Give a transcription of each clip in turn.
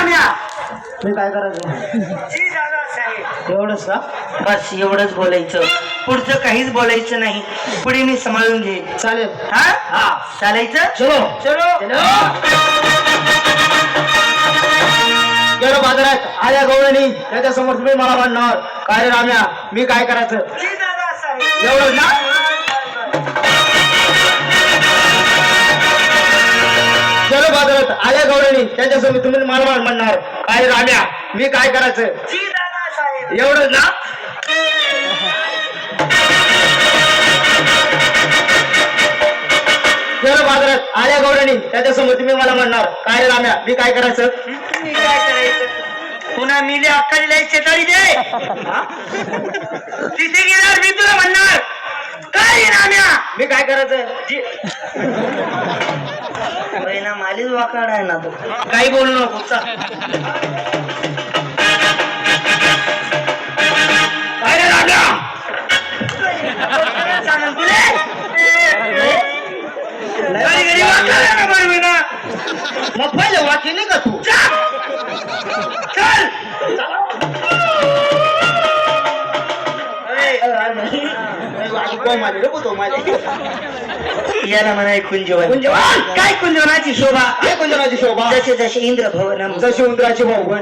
राम्या मी काय करायचं जी दादासाहेब एवढंच का बस एवढंच बोलायचं पुढचं काहीच बोलायचं नाही पुढे मी सांभाळून घेईन चालेल हा हा चालायचं चलो चलो गेलो बाजारात आल्या गवळणी त्याच्यासमोर तुम्ही मला म्हणणार काय रे राम्या मी काय करायचं जी दादासाहेब एवढंच ना गेलो बाजारात आल्या गवळणी त्याच्यासमोर तुम्ही मला म्हणणार काय रे राम्या मी काय करायचं जी दादासाहेब एवढंच ना गेलो बाजारात आल्या गवळणी त्याच्यासमोर तुम्ही मला म्हणणार काय रे राम्या मी काय करायचं तुम्ही काय करायचं पुन्हा मिले अक्कालीला एक शेताळी दे तिथे गेल्यावर मी तुला म्हणणार काय राम्या मी काय करायचं ना मालीच वाकाड आहे ना तो काही बोलू नको चल. काय रे राम्या सांगेल तुले घरी घरी वाकाड आहे ना बरोबर ना मग पहिले वाक्य नाही का तू चल याला म्हणा कुंजवन कुंजवन. काय कुंजवनाची शोभा हे कुंजनाची शोभा जसे जसे इंद्र भवनम जशी उंदराची भाऊ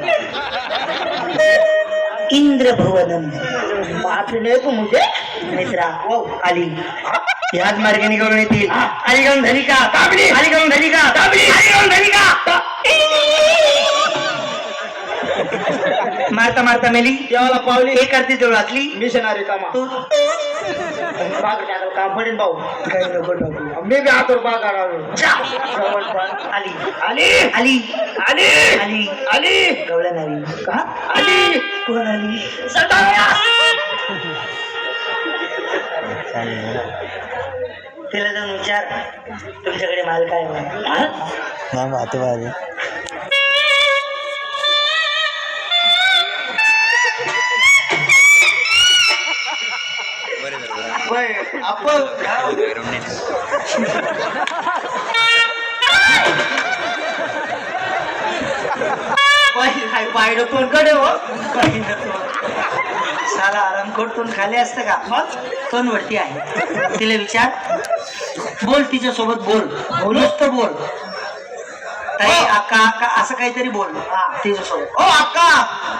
इंद्र भवनम बापरे नाही तू मुझे मित्रा आली याच मार्गाने करून येतील आली करून धनी का आली करून धनी का आली करून धनी का मारता मारता मेली देवाला पावली हे करते तेवढं वाचली मिशनरी कामा तू काम पडेल भाऊ काही नको नको मी बी हातवर बागा आली आली आली आली आली आली गवळण आली का आली कोण आली तिला जाऊन विचार तुमच्याकडे माल काय आपण पाहिलं तोंडकडे हो साला आराम करतून खाली असतं का मग तोंड वरती आहे तिला विचार बोल तिच्या सोबत बोल नुसतं बोल ताई अक्का अक्का असं काहीतरी बोल हा तिच्या सोबत ओ अक्का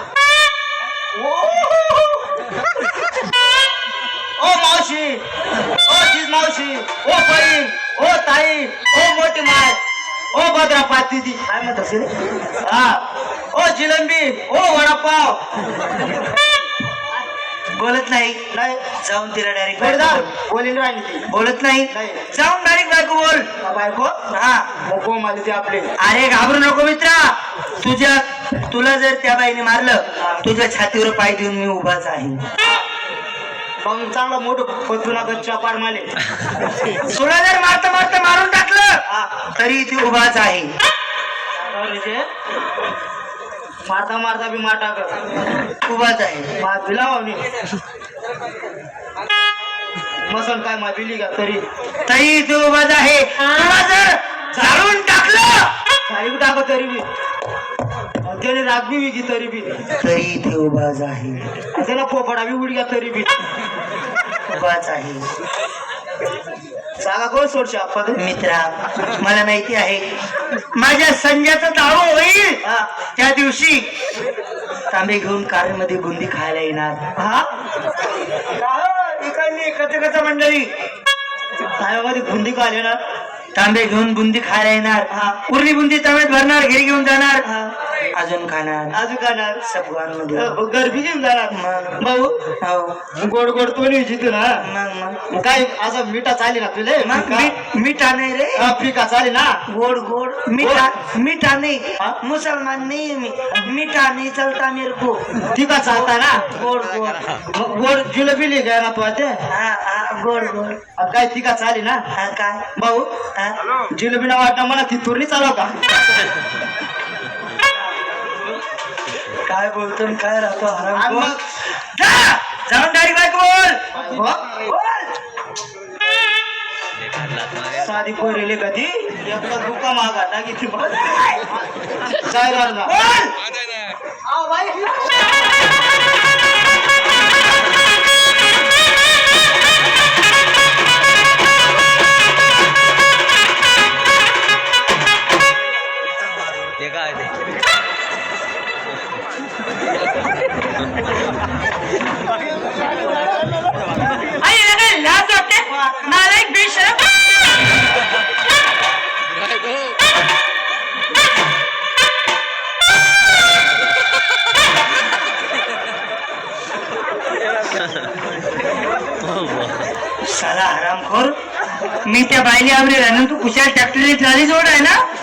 ओ मावशी ओ चीज मावशी ओ बहीण ओ ताई ओ मोठी माय ओ भद्रा पाती दी काय म्हणत असेल हा ओ जिलंबी ओ वडापाव बोलत नाही नाही जाऊन तिला डायरेक्ट जोरदार बोलीन राहिली ती बोलत नाही नाही. जाऊन डायरेक्ट बायको बोल बायको हा मोको माली ते आपले अरे घाबरू नको मित्रा तुला जर त्या बाईने मारलं तुझ्या छातीवर पाय देऊन मी उभाच आहे मग चांगला मोठं पतुना गच्चा पार माले तुला जर मारता मारता मारून टाकलं तरी ती उभाच आहे मारता मारता बी मार टाक उभाच आहे दिला मसन काय माबिली का तरी तरी ती उभाच आहे तुला जर झाडून टाकलं सारी टाक तरी बी त्याने राग बी विकी तरी बी तरी ती उभाच आहे त्याला पोपडा बी उडग्या तरी बी उभाच आहे जागा कोण सोडशे आपण मित्रा मला माहिती आहे माझ्या संजयचा दारू होईल त्या दिवशी तांबे घेऊन कारमध्ये बुंदी खायला येणार हा इकडली कच मंडळी ताब्यामध्ये बुंदी का आले ना तांबे घेऊन बुंदी खायला येणार उरली बुंदी तांब्यात भरणार घरी घेऊन जाणार अजून खाणार अजून खाणार सपवान मध्ये गरबी घेऊन जाणार मग भाऊ हो गोड गोड तो जिथून ना मग मग काय असं मिठा चाली ना तुले मग मिठा नाही रे फिका चाली ना गोड गोड मीठा नहीं मुसलमान नहीं मी मीठा नहीं चलता मेरे को फिका चालता ना गोड गोड मग गोड जिलेबी लिहि गया ना तू आता हा गोड गोड अब काय फिका चाली ना हा काय भाऊ जिलेबी ना वाटणं मला ती तुरणी चालव का काय बोलतो आणि काय राहतो आणि हराम मग जाऊन डायरेक्ट बायको बोल हो? बोल साधी पोरेले कधी एकदा दुका मागा टाकी ती काय करणार लाज वाटते नालायक बेशरम साला हरामखोर मी त्या बाईने आवडे राहणं तू कुशाल ट्रॅक्टर ट्रॉली जोड आहे ना